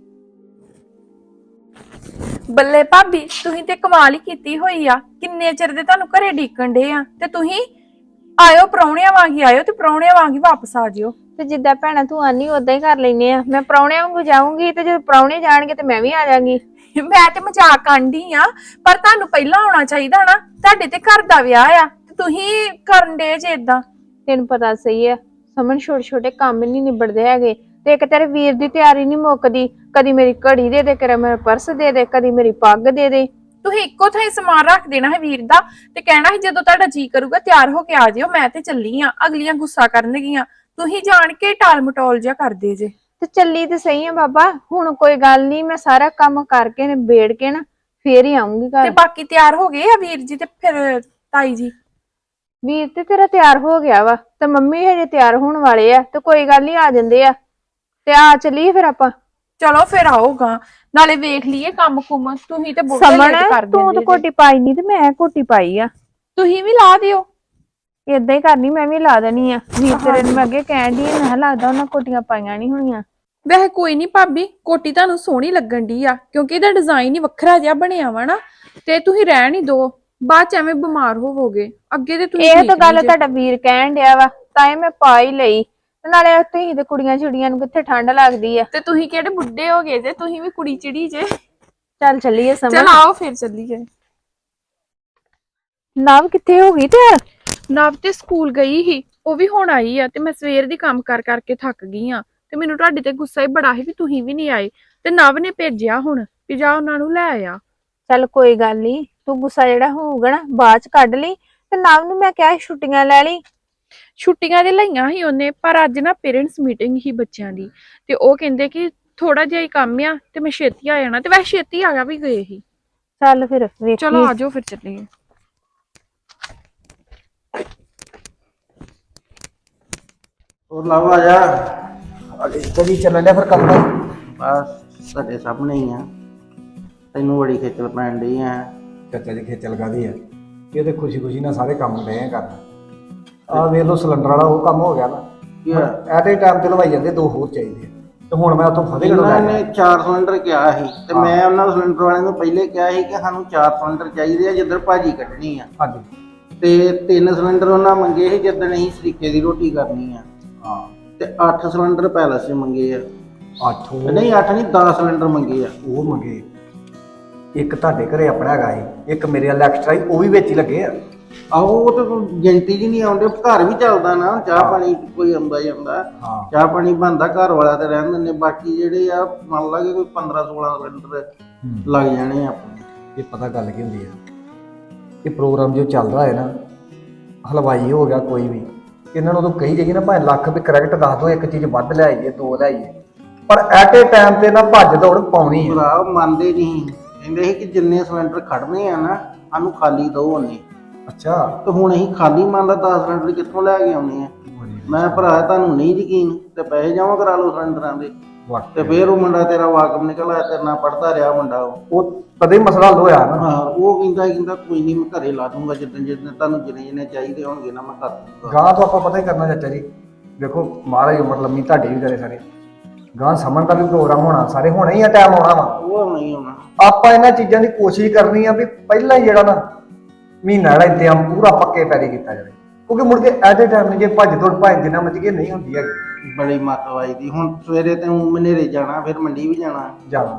[SPEAKER 1] ਬੱਲੇ ਭਾਬੀ, ਤੁਸੀਂ ਤੇ ਕਮਾਲ ਹੀ ਕੀਤੀ ਹੋਈ ਆ। ਕਿੰਨੇ ਚਿਰ ਦੇ ਤੁਹਾਨੂੰ ਘਰੇ ਡੀਕਣ ਡੇ ਆ, ਤੇ ਤੁਸੀਂ ਆਇਓ ਪ੍ਰਾਹੁਣਿਆਂ ਵਾਂਗੀ ਆਇਓ ਤੇ ਪ੍ਰਾਹੁਣਿਆਂ ਵਾਂਗੀ ਵਾਪਸ ਆ ਜਿਓ। ਤੇ ਜਿੱਦਾਂ ਭੈਣਾ ਤੂੰ ਆਨੀ ਉਦਾਂ ਹੀ ਕਰ ਲੈਨੇ ਆ। ਮੈਂ ਪ੍ਰਾਹੁਣਿਆਂ ਵਾਂਗੂ ਜਾਊਂਗੀ ਤੇ ਜਦੋਂ ਪ੍ਰਾਹੁਣੇ ਜਾਣਗੇ ਤੇ ਮੈਂ ਵੀ ਆ ਜਾਾਂਗੀ।
[SPEAKER 4] ਮੈਂ ਤੇ ਮਜ਼ਾਕ ਆਂਢੀ ਆ, ਪਰ ਤੁਹਾਨੂੰ ਪਹਿਲਾਂ ਆਉਣਾ ਚਾਹੀਦਾ ਨਾ। ਤੁਹਾਡੇ ਤੇ ਘਰ ਦਾ ਵਿਆਹ ਆ ਤੇ ਤੁਸੀਂ ਕਰਨ ਦੇ ਜੇ ਇਦਾਂ।
[SPEAKER 1] ਤੈਨੂੰ ਪਤਾ ਸਹੀ ਆ ਸਮਨ, ਛੋਟੇ ਛੋਟੇ ਕੰਮ ਨਹੀਂ ਨਿਬੜਦੇ ਹੈਗੇ। ਤੇ ਇੱਕ ਤੇਰੇ ਵੀਰ ਦੀ ਤਿਆਰੀ ਨਹੀਂ ਮੁੱਕਦੀ, ਕਦੀ ਮੇਰੀ ਘੜੀ ਦੇ ਦੇ, ਕਦੇ ਮੇਰਾ ਪਰਸ ਦੇ ਦੇ, ਕਦੀ ਮੇਰੀ ਪੱਗ ਦੇ ਦੇ।
[SPEAKER 4] ਤੁਸੀਂ ਇੱਕੋ ਥਾਂ ਸਮਾਨ ਰੱਖ ਦੇਣਾ ਹੈ ਵੀਰ ਦਾ ਤੇ ਕਹਿਣਾ ਹੈ ਜਦੋਂ ਤੁਹਾਡਾ ਜੀ ਕਰੂਗਾ ਤਿਆਰ ਹੋ ਕੇ ਆ ਜਿਓ, ਮੈਂ ਤੇ ਚੱਲੀ ਆ। ਅਗਲੀਆਂ ਗੁੱਸਾ ਕਰਨਗੀਆਂ, ਤੁਸੀਂ ਜਾਣ ਕੇ ਟਾਲ ਮਟੋਲ ਜਿਹਾ ਕਰਦੇ ਜੇ।
[SPEAKER 1] ਤੇ ਚੱਲੀ ਤੇ ਸਹੀ ਆ ਬਾਬਾ, ਹੁਣ ਕੋਈ ਗੱਲ ਨਹੀਂ, ਮੈਂ ਸਾਰਾ ਕੰਮ ਕਰਕੇ ਨਿਬੇੜ ਕੇ ਨਾ ਫੇਰ ਹੀ ਆਉਂਗੀ
[SPEAKER 4] ਤੇ
[SPEAKER 1] ਘਰ।
[SPEAKER 4] ਬਾਕੀ ਤਿਆਰ ਹੋ ਗਏ ਆ ਵੀਰ ਜੀ ਤੇ ਫਿਰ ਤਾਈ ਜੀ?
[SPEAKER 1] ਵੀਰ ਤੇ ਤੇਰਾ ਤਿਆਰ ਹੋ ਗਿਆ ਵਾ ਤੇ ਮੰਮੀ ਹਜੇ ਤਿਆਰ ਹੋਣ ਵਾਲੇ ਆ, ਤੇ ਕੋਈ ਗੱਲ ਨਹੀਂ ਆ ਜਾਂਦੇ ਆ। ਤੇ ਆ ਚੱਲੀਏ ਫਿਰ ਆਪਾਂ।
[SPEAKER 4] ਚਲੋ ਫਿਰ ਆਓਗਾ, ਨਾਲੇ ਵੇਖ ਲਈਏ ਕੰਮ ਕੁਮ। ਤੁਸੀਂ ਤੇ ਬਹੁਤ
[SPEAKER 1] ਸਮਣ
[SPEAKER 4] ਲੇਟ ਕਰ
[SPEAKER 1] ਤੂੰ
[SPEAKER 4] ਦਿੰਦੇ
[SPEAKER 1] ਤਾਂ
[SPEAKER 4] ਜੇ।
[SPEAKER 1] ਕੋਟੀ ਪਾਈ ਨਹੀਂ ਤੇ ਮੈਂ ਕੋਟੀ ਪਾਈ ਆ।
[SPEAKER 4] ਤੁਸੀਂ ਵੀ ਲਾ ਦਿਓ।
[SPEAKER 1] ਏਦਾਂ ਹੀ ਕਰਨੀ, ਮੈਂ ਵੀ ਲਾ ਦੇਣੀ ਆ। ਵੀਰ ਤੇਰੇ ਨੂੰ ਮੈਂ ਅੱਗੇ ਕਹਿਣ ਦੀ, ਮੈਂ ਕਿਹਾ ਲੱਗਦਾ ਉਹਨਾਂ ਕੋਟੀਆਂ ਪਾਈਆਂ ਨਹੀਂ ਹੋਣੀਆਂ।
[SPEAKER 4] ਵੈਸੇ ਕੋਈ ਨਹੀਂ ਭਾਬੀ, ਕੋਟੀ ਤੁਹਾਨੂੰ ਸੋਹਣੀ ਲੱਗਣ ਦੀ ਆ, ਕਿਉਂਕਿ ਇਹਦਾ ਡਿਜ਼ਾਈਨ ਹੀ ਵੱਖਰਾ ਜਿਹਾ ਬਣਿਆ ਵਾ ਨਾ। ਤੇ ਤੁਸੀਂ ਰਹਿਣ ਹੀ ਦੋ, ਬਾਅਦ ਚ ਐਵੇਂ ਬਿਮਾਰ ਹੋਵੋਗੇ। ਅੱਗੇ ਤੇ ਤੁਸੀਂ
[SPEAKER 1] ਇਹ
[SPEAKER 4] ਠੀਕ
[SPEAKER 1] ਤਾਂ ਗੱਲ
[SPEAKER 4] ਨਹੀਂ ਜੇ।
[SPEAKER 1] ਤੁਹਾਡਾ ਵੀਰ ਕਹਿਣ ਡਿਆ ਵਾ, ਤਾਂ ਇਹ ਮੈਂ ਪਾ ਹੀ ਲਈ। ਤੇ ਨਾਲੇ ਤੁਸੀਂ ਤੇ ਕੁੜੀਆਂ ਛੁੜੀਆਂ ਨੂੰ ਕਿੱਥੇ ਠੰਡ ਲੱਗਦੀ ਆ।
[SPEAKER 4] ਤੇ ਤੁਸੀਂ ਕਿਹੜੇ ਬੁੱਢੇ ਹੋ ਗਏ ਜੇ, ਤੁਸੀਂ ਵੀ ਕੁੜੀ ਚਿੜੀ ਜੇ।
[SPEAKER 1] ਚੱਲ ਚੱਲੀਏ ਸਮਝ।
[SPEAKER 4] ਚਲ ਆਓ ਫਿਰ ਚੱਲੀਏ।
[SPEAKER 1] ਨਵ ਕਿੱਥੇ ਹੋ ਗਈ ਤੇ?
[SPEAKER 4] ਨਵ ਤੇ ਸਕੂਲ ਗਈ ਸੀ, ਉਹ ਵੀ ਹੁਣ ਆਈ ਆ। ਤੇ ਮੈਂ ਸਵੇਰ ਦੀ ਕੰਮ ਕਰ ਕਰਕੇ ਥੱਕ ਗਈ ਆ। ਤੇ ਮੈਨੂੰ ਤੁਹਾਡੇ ਤੇ ਗੁੱਸਾ ਹੀ ਬੜਾ ਸੀ ਵੀ ਤੁਸੀਂ ਵੀ ਨਹੀਂ ਆਏ। ਤੇ ਨਵ ਨੇ ਭੇਜਿਆ ਹੁਣ ਵੀ ਜਾ ਉਹਨਾਂ ਨੂੰ ਲੈ ਆ।
[SPEAKER 1] ਚੱਲ ਕੋਈ ਗੱਲ ਨਹੀਂ, ਤੂੰ ਗੁੱਸਾ ਜਿਹੜਾ ਹੋਊਗਾ ਨਾ ਬਾਅਦ ਚ ਕੱਢ ਲਈ। ਤੇ ਨਵ ਨੂੰ ਮੈਂ ਕਿਹਾ ਸੀ ਛੁੱਟੀਆਂ ਲੈ ਲਈ।
[SPEAKER 4] ਛੁੱਟੀਆਂ ਦੇ ਲਈਆਂ ਸੀ ਉਹਨੇ, ਪਰ ਅੱਜ ਨਾ ਪੇਰੈਂਟਸ ਮੀਟਿੰਗ ਸੀ ਬੱਚਿਆਂ ਦੀ। ਤੇ ਉਹ ਕਹਿੰਦੇ ਕਿ ਥੋੜਾ ਜਿਹਾ ਹੀ ਕੰਮ ਆ ਤੇ ਮੈਂ ਛੇਤੀ ਆ ਜਾਣਾ। ਤੇ ਵੈਸੇ ਛੇਤੀ ਆ ਗਿਆ ਵੀ ਗਏ ਸੀ।
[SPEAKER 1] ਚੱਲ ਫਿਰ ਵੇਖੀ।
[SPEAKER 4] ਚਲੋ ਆਜੋ ਫਿਰ ਚੱਲੀਏ।
[SPEAKER 2] ਹੋਰ ਲਵ ਆ ਜਾ।
[SPEAKER 5] ਕਦੀ ਚੱਲਣ ਡਿਆ ਫਿਰ ਕੰਮ ਦਾ?
[SPEAKER 2] ਬਸ ਤੁਹਾਡੇ ਸਾਹਮਣੇ ਹੀ ਆ, ਤੈਨੂੰ ਬੜੀ ਖੇਚਲ ਪੈਣ ਡਈ ਆ।
[SPEAKER 5] ਚਾਚਾ ਜੀ ਖੇਚਲ ਕਾਹਦੀ ਆ, ਇਹ ਤੇ ਖੁਸ਼ੀ ਖੁਸ਼ੀ ਨਾਲ ਸਾਰੇ ਕੰਮ ਡਏ ਆ ਕਰਨ। ਆਹ ਵੇਖ ਲਓ ਸਿਲੰਡਰ ਵਾਲਾ ਉਹ ਕੰਮ ਹੋ ਗਿਆ ਨਾ। ਐਟ ਏ ਟਾਈਮ ਤੇ ਲਵਾਈ ਜਾਂਦੇ, 2 ਹੋਰ ਚਾਹੀਦੇ ਆ। ਤੇ ਹੁਣ ਮੈਂ ਉੱਥੋਂ ਫਤਿਹਗੜ੍ਹ
[SPEAKER 2] ਇਹਨਾਂ
[SPEAKER 5] ਲੈ
[SPEAKER 2] ਨੇ 4 ਸਿਲੰਡਰ ਕਿਹਾ ਸੀ ਤੇ ਮੈਂ ਉਹਨਾਂ ਸਿਲੰਡਰ ਵਾਲਿਆਂ ਨੂੰ ਪਹਿਲੇ ਕਿਹਾ ਸੀ ਕਿ ਸਾਨੂੰ 4 ਸਿਲੰਡਰ ਚਾਹੀਦੇ ਆ ਜਿੱਧਰ ਭਾਜੀ ਕੱਢਣੀ ਆ।
[SPEAKER 5] ਹਾਂਜੀ।
[SPEAKER 2] ਤੇ 3 ਸਿਲੰਡਰ ਉਹਨਾਂ ਮੰਗੇ ਸੀ ਜਿੱਦਣ ਅਸੀਂ ਸਰੀਕੇ ਦੀ ਰੋਟੀ ਕਰਨੀ ਆ।
[SPEAKER 5] ਹਾਂ।
[SPEAKER 2] ਤੇ 8 ਸਿਲੰਡਰ ਪੈਲਸ 'ਚ ਮੰਗੇ ਆ।
[SPEAKER 5] 8
[SPEAKER 2] ਨਹੀਂ 8 ਨਹੀਂ 10 ਸਿਲੰਡਰ ਮੰਗੇ ਆ।
[SPEAKER 5] ਉਹ ਮੰਗੇ। ਇੱਕ ਤੁਹਾਡੇ ਘਰੇ ਆਪਣਾ ਹੈਗਾ ਸੀ, ਇੱਕ ਮੇਰੇ ਵਾਲਾ ਐਕਸਟਰਾ ਸੀ, ਉਹ ਵੀ ਵਿੱਚ ਹੀ ਲੱਗੇ ਆ।
[SPEAKER 2] ਆਹੋ ਉਹ ਤਾਂ ਗਿਣਤੀ ਜੀ ਨਹੀਂ ਆਉਂਦੇ, ਘਰ ਵੀ ਚੱਲਦਾ ਨਾ, ਚਾਹ ਪਾਣੀ ਕੋਈ ਆਉਂਦਾ ਜਾਂਦਾ।
[SPEAKER 5] ਹਾਂ।
[SPEAKER 2] ਚਾਹ ਪਾਣੀ ਬਣਦਾ, ਘਰ ਵਾਲਾ ਤੇ ਰਹਿਣ ਦਿੰਦੇ। ਬਾਕੀ ਜਿਹੜੇ ਆ ਮੰਨ ਲਾਂਗੇ ਕੋਈ 15-16 ਸਿਲੰਡਰ ਲੱਗ ਜਾਣੇ ਆ ਆਪਣੇ।
[SPEAKER 5] ਇਹ ਪਤਾ ਗੱਲ ਕੀ ਹੁੰਦੀ ਆ, ਇਹ ਪ੍ਰੋਗਰਾਮ ਜੋ ਚੱਲਦਾ ਹੈ ਨਾ, ਹਲਵਾਈ ਹੋ ਗਿਆ ਕੋਈ ਵੀ, ਇਹਨਾਂ ਨੂੰ ਉਦੋਂ ਕਹੀ ਜਾਈਏ ਨਾ ਭਾਵੇਂ ਲੱਖ ਵੀ ਕਰੈਕਟ ਦੱਸ ਦੋ, ਇੱਕ ਚੀਜ਼ ਵੱਧ ਲੈ ਆਈਏ 2 ਲੈ ਆਈਏ, ਪਰ ਐਟ ਏ ਟਾਈਮ ਤੇ ਨਾ ਭੱਜ ਦੌੜ ਪਾਉਣੀ ਹੈ।
[SPEAKER 2] ਭਰਾ ਮੰਨਦੇ ਨਹੀਂ, ਕਹਿੰਦੇ ਸੀ ਕਿ ਜਿੰਨੇ ਸਿਲੰਡਰ ਖੜਨੇ ਆ ਨਾ ਸਾਨੂੰ ਖਾਲੀ ਦੋ ਉਹਨੇ।
[SPEAKER 5] ਅੱਛਾ।
[SPEAKER 2] ਤੇ ਹੁਣ ਅਸੀਂ ਖਾਲੀ ਮੰਨ ਲਾ 10 ਸਿਲੰਡਰ ਕਿੱਥੋਂ ਲੈ ਕੇ ਆਉਣੇ ਆ। ਮੈਂ ਭਰਾ ਤੁਹਾਨੂੰ ਨਹੀਂ ਯਕੀਨ ਤੇ ਪੈਸੇ ਜਮ੍ਹਾਂ ਕਰਾ ਲਓ ਸਿਲੰਡਰਾਂ ਦੇ। ਤੇ ਫੇਰ ਉਹ ਮੁੰਡਾ ਤੇਰਾ ਵਾਕਬ ਨਿਕਲ ਆਇਆ, ਤੇਰੇ ਨਾਲ ਪੜਦਾ ਰਿਹਾ ਮੁੰਡਾ।
[SPEAKER 5] ਉਹ ਕਦੇ ਮਸਲਾ ਹੱਲ ਹੋਇਆ ਨਾ।
[SPEAKER 2] ਹਾਂ ਉਹ ਕਹਿੰਦਾ ਕੋਈ ਨਹੀਂ ਮੈਂ ਘਰੇ ਲਾ ਦੂੰਗਾ, ਜਿੱਦਣ ਤੁਹਾਨੂੰ ਜਿੰਨੇ ਚਾਹੀਦੇ ਹੋਣਗੇ ਨਾ ਮੈਂ ਕਰ ਦੂੰਗਾ।
[SPEAKER 5] ਗਾਂ ਤੋਂ ਆਪਾਂ ਪਤਾ ਹੀ ਕਰਨਾ ਚਾਚਾ ਜੀ, ਵੇਖੋ ਮਹਾਰਾਜ ਉਮਰ ਲੰਮੀ ਤੁਹਾਡੀ ਵੀ ਕਰੇ ਸਾਰੇ। ਗਾਂ ਸਮਝ ਦਾ ਵੀ ਪ੍ਰੋਗਰਾਮ ਹੋਣਾ, ਸਾਰੇ ਹੋਣਾ ਹੀ ਆ, ਟਾਈਮ ਆਉਣਾ ਵਾ।
[SPEAKER 2] ਉਹ ਨਹੀਂ ਹੋਣਾ।
[SPEAKER 5] ਆਪਾਂ ਇਹਨਾਂ ਚੀਜ਼ਾਂ ਦੀ ਕੋਸ਼ਿਸ਼ ਕਰਨੀ ਆ ਵੀ ਪਹਿਲਾਂ ਹੀ ਜਿਹੜਾ ਨਾ ਮਹੀਨਾ ਜਿਹੜਾ ਇੰਤਜ਼ਾਮ ਪੂਰਾ ਪੱਕੇ ਪੈਰੀ ਕੀਤਾ ਜਾਵੇ, ਕਿਉਂਕਿ ਮੁੜ ਕੇ ਐਟ ਏ ਟਾਈਮ ਜੇ ਭੱਜ ਦੌੜ ਭਾਵੇਂ ਜਿੰਨਾ ਮਰਜ਼ੀ ਕੇ ਨਹੀਂ ਹੁੰਦੀ ਹੈਗੀ।
[SPEAKER 2] ਬੜੀ ਮੱਤ ਵਾਈਦੀ। ਹੁਣ ਸਵੇਰੇ ਤੇ ਮਨੇਰੇ ਜਾਣਾ, ਫਿਰ ਮੰਡੀ ਵੀ ਜਾਣਾ।
[SPEAKER 5] ਜਾਣਾ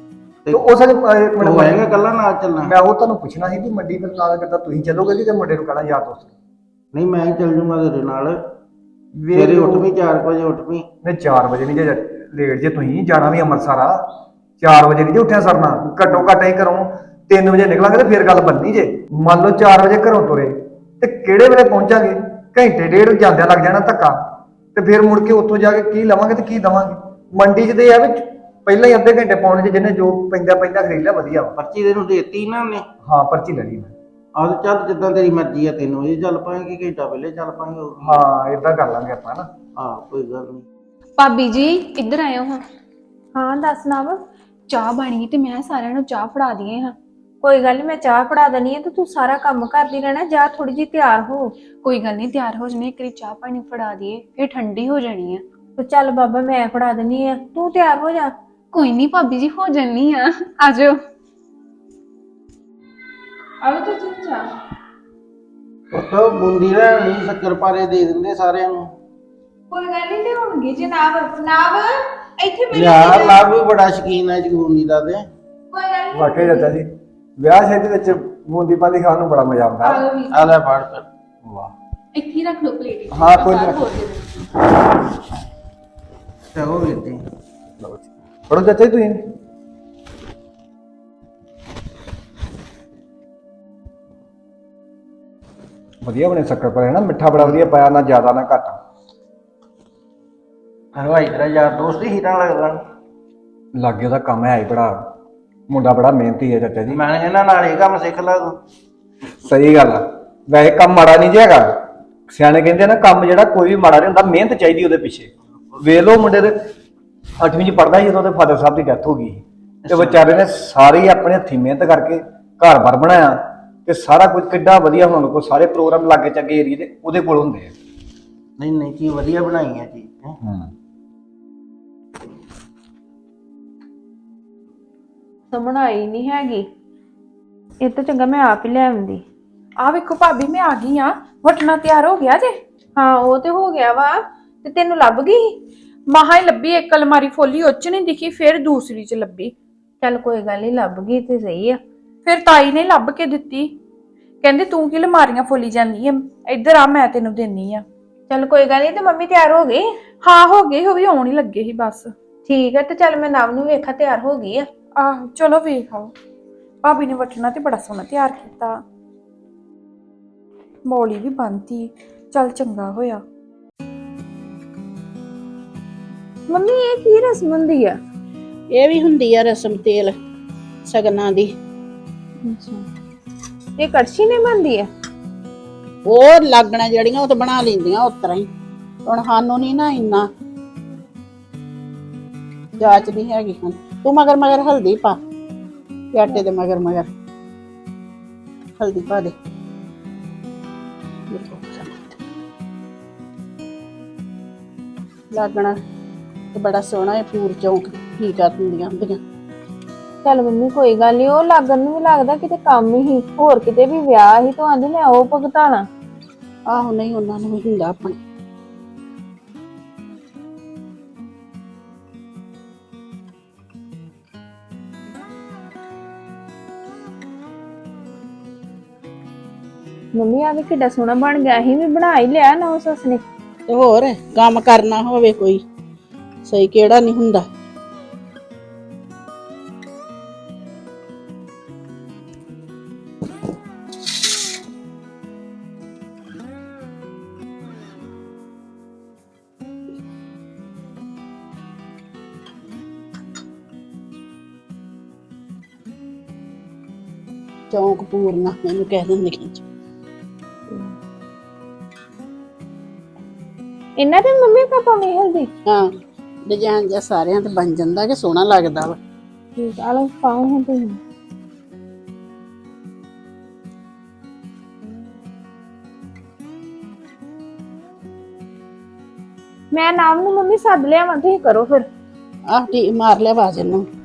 [SPEAKER 5] ਤੇ ਉਸ
[SPEAKER 2] ਉਹ ਆਏਗਾ ਕੱਲਾ ਨਾਲ ਚੱਲਣਾ?
[SPEAKER 5] ਮੈਂ ਉਹ ਤੁਹਾਨੂੰ ਪੁੱਛਣਾ ਸੀ ਵੀ ਮੰਡੀ ਫਿਰ ਨਾਲ ਕਿੱਦਾਂ ਤੁਸੀਂ ਚੱਲੋਗੇ ਕਿ ਮੁੰਡੇ ਨੂੰ ਕਹਿਣਾ ਯਾਰ ਦੋਸਤ?
[SPEAKER 2] ਨਹੀਂ ਮੈਂ ਹੀ ਚੱਲ ਜੂੰਗਾ ਤੇਰੇ ਨਾਲ। ਸਵੇਰੇ ਉੱਠ ਵੀ 4 ਵਜੇ ਉੱਠ ਵੀ।
[SPEAKER 5] ਨਹੀਂ 4 ਵਜੇ ਨਹੀਂ ਜੇ ਲੇਟ ਜੇ ਤੁਸੀਂ ਜਾਣਾ ਵੀ ਅੰਮ੍ਰਿਤਸਰ ਆ, 4 ਵਜੇ ਨਹੀਂ ਜੇ ਉੱਠਿਆ ਸਰਨਾ। ਘੱਟੋ ਘੱਟ ਹੀ ਘਰੋਂ 3 ਵਜੇ ਨਿਕਲਾਂਗੇ ਤੇ ਫਿਰ ਗੱਲ ਬਣਨੀ ਜੇ। ਮੰਨ ਲਓ 4 ਵਜੇ ਘਰੋਂ ਤੁਰੇ ਤੇ ਕਿਹੜੇ ਵੇਲੇ ਪਹੁੰਚਾਂਗੇ? ਘੰਟੇ ਡੇਢ ਜਾਂਦਿਆਂ ਲੱਗ ਜਾਣਾ ਧੱਕਾ, ਤੇ ਫਿਰ ਮੁੜ ਕੇ ਉੱਥੋਂ ਜਾ ਕੇ ਕੀ ਲਵਾਂਗੇ ਤੇ ਕੀ ਦਵਾਂਗੇ? ਮੰਡੀ 'ਚ ਤੇ ਆ ਵੀ ਪਹਿਲਾਂ ਹੀ ਅੱਧੇ ਘੰਟੇ ਪਾਉਣੇ 'ਚ ਜਿਹਨੇ ਜੋ ਪੈਂਦਾ ਖਰੀਦ ਲਿਆ ਵਧੀਆ ਵਾ।
[SPEAKER 2] ਪਰਚੀ ਤੈਨੂੰ ਦੇਤੀ ਨਾ ਉਹਨੇ?
[SPEAKER 5] ਹਾਂ ਪਰਚੀ ਲੈ ਲਈ ਮੈਂ।
[SPEAKER 2] ਆਹ ਚੱਲ ਜਿੱਦਾਂ ਤੇਰੀ ਮਰਜ਼ੀ ਆ, 3 ਵਜੇ ਚੱਲ ਪਾਏਂਗੇ, ਘੰਟਾ ਪਹਿਲੇ ਚੱਲ ਪਾਏਂਗੇ।
[SPEAKER 5] ਹਾਂ ਏਦਾਂ ਕਰ ਲਾਂਗੇ ਆਪਾਂ ਨਾ।
[SPEAKER 2] ਹਾਂ ਕੋਈ ਗੱਲ ਨਹੀਂ।
[SPEAKER 3] ਭਾਬੀ ਜੀ ਇੱਧਰ ਆਇਓ ਹਾਂ।
[SPEAKER 1] ਹਾਂ ਦੱਸ ਨਵ।
[SPEAKER 3] ਚਾਹ ਬਣੀ ਤੇ ਮੈਂ ਸਾਰਿਆਂ ਨੂੰ ਚਾਹ ਫੜਾ ਦਈਏ ਹਾਂ।
[SPEAKER 1] ਕੋਈ ਗੱਲ ਨੀ, ਮੈਂ ਚਾਹ ਫੜਾ ਦਨੀ ਹੈ ਤੇ ਤੂੰ ਸਾਰਾ ਕੰਮ ਕਰਦੀ ਰਹਿਣਾ। ਜਾ ਥੋੜੀ ਜਿਹੀ ਤਿਆਰ ਹੋ।
[SPEAKER 3] ਕੋਈ ਗੱਲ ਨਹੀਂ, ਤਿਆਰ ਹੋ ਜਾਣੀ, ਇੱਕ ਵਾਰੀ ਚਾਹ ਪਾਣੀ ਫੜਾ ਦਈਏ ਫਿਰ ਠੰਡੀ ਹੋ ਜਾਣੀ ਆ।
[SPEAKER 1] ਤੇ ਚੱਲ ਬਾਬਾ ਮੈਂ ਫੜਾ ਦਨੀ ਆ, ਤੂੰ ਤਿਆਰ ਹੋ ਜਾ।
[SPEAKER 3] ਕੋਈ ਨਹੀਂ ਭਾਬੀ ਜੀ, ਹੋ ਜਾਨੀ ਆ, ਆਜੋ।
[SPEAKER 4] ਆਲੋ ਤੇ ਚਾਚਾ
[SPEAKER 2] ਉੱਥੋਂ ਬੂੰਦੀ ਲੈਣੀ, ਸ਼ੱਕਰ ਪਾਰੇ ਦੇ ਦਿੰਦੇ ਸਾਰਿਆਂ ਨੂੰ।
[SPEAKER 1] ਕੋਈ ਗੱਲ ਨਹੀਂ ਲਿਆਉਣਗੇ ਜਨਾਬ ਨਾਬ ਇੱਥੇ
[SPEAKER 2] ਯਾਰ ਲੱਭ ਵੀ ਬੜਾ ਸ਼ਕੀਨ ਹੈ ਜਗੂਨੀ ਦਾ ਤੇ
[SPEAKER 1] ਕੋਈ ਗੱਲ ਨਹੀਂ
[SPEAKER 5] ਵਾਕਈ ਚਾਚਾ ਜੀ ਵਿਆਹ ਸ਼ਾਦੀ ਵਿੱਚ ਬੂੰਦੀ ਪਾਲੀ ਖਾਣ ਨੂੰ ਬੜਾ ਮਜ਼ਾ ਆਉਂਦਾ
[SPEAKER 2] ਆ ਲੈ ਫੜ ਫਿਰ
[SPEAKER 5] ਵਾਹ
[SPEAKER 3] ਇੱਥੇ ਹੀ ਰੱਖ ਲਓ ਪਲੇਟ
[SPEAKER 5] ਹਾਂ ਕੋਈ ਨਹੀਂ
[SPEAKER 2] ਚਲੋ ਵੀਰ ਜੀ
[SPEAKER 5] ਪੜੋ ਚਾਚਾ ਜੀ ਤੁਸੀਂ ਵਧੀਆ ਬਣੇ ਸ਼ੱਕਰ ਪਾਇਆ ਨਾ ਮਿੱਠਾ ਬੜਾ ਵਧੀਆ ਪਾਇਆ ਨਾ ਜ਼ਿਆਦਾ ਨਾ ਘੱਟ
[SPEAKER 2] ਹਲਵਾਈ ਤੇਰਾ ਯਾਰ ਦੋਸਤ ਹੀ ਹੀਰਾ ਲੱਗਦਾ
[SPEAKER 5] ਲਾਗੇ ਉਹਦਾ ਕੰਮ ਹੈ ਹੀ ਬੜਾ ਮੁੰਡਾ ਬੜਾ ਮਿਹਨਤੀ ਹੈ ਚਾਚਾ ਜੀ
[SPEAKER 2] ਮੈਂ ਇਹਨਾਂ ਨਾਲ ਇਹ ਕੰਮ ਸਿੱਖ ਲਾ ਤੂੰ
[SPEAKER 5] ਸਹੀ ਗੱਲ ਆ ਵੈਸੇ ਕੰਮ ਮਾੜਾ ਨਹੀਂ ਜੀ ਹੈਗਾ ਸਿਆਣੇ ਕਹਿੰਦੇ ਆ ਨਾ ਕੰਮ ਜਿਹੜਾ ਕੋਈ ਵੀ ਮਾੜਾ ਨਹੀਂ ਹੁੰਦਾ ਮਿਹਨਤ ਚਾਹੀਦੀ ਉਹਦੇ ਪਿੱਛੇ ਵੇਖ ਲਓ ਮੁੰਡੇ ਦੇ 8ਵੀਂ ਚ ਪੜਦਾ ਸੀ ਜਦੋਂ ਉਹਦੇ ਫਾਦਰ ਸਾਹਿਬ ਦੀ ਡੈਥ ਹੋ ਗਈ ਤੇ ਵਿਚਾਰੇ ਨੇ ਸਾਰੇ ਹੀ ਆਪਣੇ ਹੱਥੀਂ ਮਿਹਨਤ ਕਰਕੇ ਘਰ-ਬਾਰ ਬਣਾਇਆ ਤੇ ਸਾਰਾ ਕੁਝ ਕਿੱਡਾ ਵਧੀਆ ਹੁਣ ਕੋ ਸਾਰੇ ਪ੍ਰੋਗਰਾਮ ਲਾਗੇ ਚੱਗੇ ਏਰੀਏ ਦੇ ਉਹਦੇ ਕੋਲ ਹੁੰਦੇ ਆ
[SPEAKER 2] ਨਹੀਂ ਨਹੀਂ ਚੀਜ਼ ਵਧੀਆ ਬਣਾਈ ਹੈ ਚੀਜ਼
[SPEAKER 1] ਤਾਂ ਬਣਾਈ ਨਹੀਂ ਹੈਗੀ ਇਹ ਤਾਂ ਚੰਗਾ ਮੈਂ ਆਪ ਹੀ ਲੈ ਆਉਂਦੀ
[SPEAKER 4] ਆ ਵੇਖੋ ਭਾਬੀ ਮੈਂ ਆ ਗਈ ਆ ਵਟਣਾ ਤਿਆਰ ਹੋ ਗਿਆ ਜੇ
[SPEAKER 1] ਹਾਂ ਉਹ ਤੇ ਹੋ ਗਿਆ ਵਾ ਤੇ ਤੈਨੂੰ ਲੱਭ ਗਈ
[SPEAKER 4] ਮਹਾ ਹੀ ਲੱਭੀ ਇੱਕ ਅਲਮਾਰੀ ਫੋਲੀ ਉਹ 'ਚ ਨਹੀਂ ਦਿਖੀ ਫਿਰ ਦੂਸਰੀ 'ਚ ਲੱਭੀ
[SPEAKER 1] ਚੱਲ ਕੋਈ ਗੱਲ ਨਹੀਂ ਲੱਭ ਗਈ ਤੇ ਸਹੀ ਆ
[SPEAKER 4] ਫਿਰ ਤਾਈ ਨੇ ਲੱਭ ਕੇ ਦਿੱਤੀ ਕਹਿੰਦੇ ਤੂੰ ਕੀ ਅਲਮਾਰੀਆਂ ਫੋਲੀ ਜਾਂਦੀ ਐ ਇੱਧਰ ਆ ਮੈਂ ਤੈਨੂੰ ਦੇਣੀ ਆ
[SPEAKER 1] ਚੱਲ ਕੋਈ ਗੱਲ ਨਹੀਂ ਤੇ ਮੰਮੀ ਤਿਆਰ ਹੋ ਗਈ
[SPEAKER 4] ਹਾਂ ਹੋ ਗਏ ਉਹ ਵੀ ਆਉਣ ਹੀ ਲੱਗੇ ਸੀ ਬਸ
[SPEAKER 1] ਠੀਕ ਹੈ ਤੇ ਚੱਲ ਮੈਂ ਨਵ ਨੂੰ ਵੇਖਾ ਤਿਆਰ ਹੋ ਗਈ ਆ
[SPEAKER 4] ਆਹ ਚਲੋ ਵੇਖ ਆਓ ਭਾਬੀ ਨੇ ਵਟਣਾ ਤੇ ਬੜਾ ਸੋਹਣਾ ਤਿਆਰ ਕੀਤਾ ਮੌਲੀ ਵੀ ਬੰਨਤੀ ਚੱਲ ਚੰਗਾ ਹੋਇਆ
[SPEAKER 1] ਮੰਮੀ ਇਹ ਕੀ ਰਸਮ ਹੁੰਦੀ ਆ
[SPEAKER 8] ਇਹ ਵੀ ਹੁੰਦੀ ਆ ਰਸਮ ਤੇਲ ਸਗਨਾਂ ਦੀ
[SPEAKER 1] ਇਹ ਕੜਛੀ ਨੇ ਬਣਦੀ ਆ
[SPEAKER 8] ਉਹ ਲੱਗਣਾ ਜਿਹੜੀਆਂ ਉਹ ਤਾਂ ਬਣਾ ਲੈਂਦੀਆਂ ਉਸ ਤਰ੍ਹਾਂ ਹੀ ਹੁਣ ਸਾਨੂੰ ਨਹੀਂ ਨਾ ਇੰਨਾ ਜਾਚ ਨਹੀਂ ਹੈਗੀ ਹਨ ਤੂੰ ਮਗਰ ਹਲਦੀ ਪਾ ਤੇ ਆਟੇ ਦੇ ਮਗਰ ਹਲਦੀ ਪਾ ਦੇ ਲੱਗਣਾ ਤੇ ਬੜਾ ਸੋਹਣਾ ਇਹ ਪੂਰ ਚੌਂਕ ਕੀ ਕਰ ਦਿੰਦੀਆਂ ਹੁੰਦੀਆਂ
[SPEAKER 1] ਚੱਲ ਮੰਮੀ ਕੋਈ ਗੱਲ ਨਹੀਂ ਉਹ ਲੱਗਣ ਨੂੰ ਵੀ ਲੱਗਦਾ ਕਿਤੇ ਕੰਮ ਹੀ ਹੋਰ ਕਿਤੇ ਵੀ ਵਿਆਹ ਹੀ ਤਾਂ ਆਂਦੀ ਮੈਂ ਉਹ ਭੁਗਤਾਣਾ
[SPEAKER 8] ਆਹੋ ਨਹੀਂ ਉਹਨਾਂ ਨੂੰ ਵੀ ਹੁੰਦਾ ਆਪਣੇ
[SPEAKER 1] ਮੰਮੀ ਆ ਵੀ ਕਿੱਡਾ ਸੋਹਣਾ ਬਣ ਗਿਆ ਸੀ ਵੀ ਬਣਾ ਹੀ ਲਿਆ ਨਾ ਸੱਸ ਨੇ
[SPEAKER 8] ਤੇ ਹੋਰ ਕੰਮ ਕਰਨਾ ਹੋਵੇ ਕੋਈ ਸਹੀ ਕਿਹੜਾ ਨਹੀਂ ਹੁੰਦਾ ਚੌਂਕ ਪੂਰਨਾ ਮੈਨੂੰ ਕਹਿ ਦਿੰਦੇ ਖਿੱਚ
[SPEAKER 1] ਇਹਨਾਂ ਦੇ ਮੰਮੀ ਪਾਪਾ ਵੀ ਹਲਦੀ
[SPEAKER 8] ਹਾਂ ਡਿਜ਼ਾਈਨ ਜਿਹਾ ਸਾਰਿਆਂ ਤੇ ਬਣ ਜਾਂਦਾ ਕਿ ਸੋਹਣਾ ਲੱਗਦਾ ਵਾ
[SPEAKER 1] ਠੀਕ ਆ ਲਓ ਪਾਓ ਹੁਣ ਤੁਸੀਂ ਮੈਂ ਨਾਮ ਨੂੰ ਮੰਮੀ ਸੱਦ ਲਿਆ ਤੁਸੀਂ ਕਰੋ ਫਿਰ
[SPEAKER 8] ਆਹ ਠੀਕ ਮਾਰ ਲਿਆ ਆਵਾਜ਼ ਇਹਨੂੰ